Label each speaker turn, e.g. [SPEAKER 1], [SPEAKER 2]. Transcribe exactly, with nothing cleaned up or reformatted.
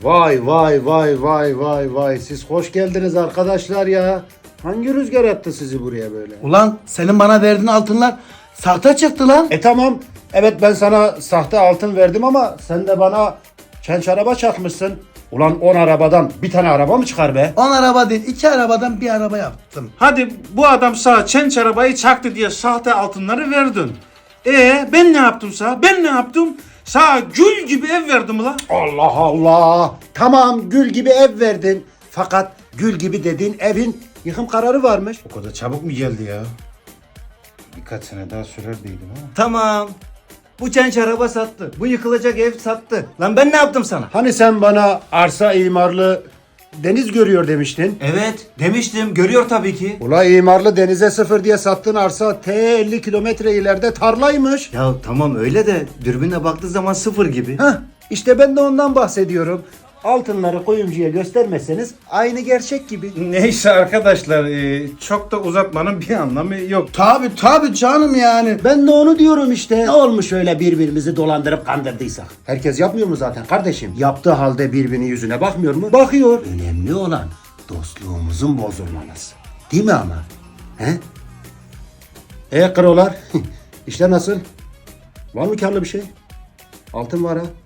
[SPEAKER 1] Vay vay vay vay vay vay. Siz hoş geldiniz arkadaşlar ya. Hangi rüzgar attı sizi buraya böyle?
[SPEAKER 2] Ulan senin bana verdiğin altınlar sahte çıktı lan.
[SPEAKER 1] E tamam. Evet ben sana sahte altın verdim ama sen de bana çenç araba çakmışsın. Ulan on arabadan bir tane araba mı çıkar be?
[SPEAKER 2] on araba değil, iki arabadan bir araba yaptım.
[SPEAKER 3] Hadi bu adam sana çenç arabayı çaktı diye sahte altınları verdin. E ben ne yaptım sana? Ben ne yaptım? Sana gül gibi ev verdim la.
[SPEAKER 1] Allah Allah. Tamam gül gibi ev verdin. Fakat gül gibi dediğin evin yıkım kararı varmış.
[SPEAKER 3] O kadar çabuk mu geldi ya? Birkaç sene daha sürer değilim ama.
[SPEAKER 4] Tamam. Bu çenç araba sattı. Bu yıkılacak ev sattı. Lan ben ne yaptım sana?
[SPEAKER 1] Hani sen bana arsa imarlı deniz görüyor demiştin.
[SPEAKER 4] Evet demiştim. Görüyor tabii ki.
[SPEAKER 1] Ula imarlı denize sıfır diye sattığın arsa T elli kilometre ileride tarlaymış.
[SPEAKER 4] Ya tamam öyle de dürbünle baktığı zaman sıfır gibi.
[SPEAKER 1] Heh, işte ben de ondan bahsediyorum. Altınları kuyumcuya göstermezseniz aynı gerçek gibi.
[SPEAKER 3] Neyse arkadaşlar e, çok da uzatmanın bir anlamı yok.
[SPEAKER 2] Tabi tabi canım yani.
[SPEAKER 1] Ben de onu diyorum işte. Ne olmuş öyle birbirimizi dolandırıp kandırdıysak? Herkes yapmıyor mu zaten kardeşim? Yaptığı halde birbirinin yüzüne bakmıyor mu? Bakıyor. Önemli olan dostluğumuzun bozulmaması. Değil mi ama? He? E krolar? İşte nasıl? Var mı karlı bir şey? Altın var ha.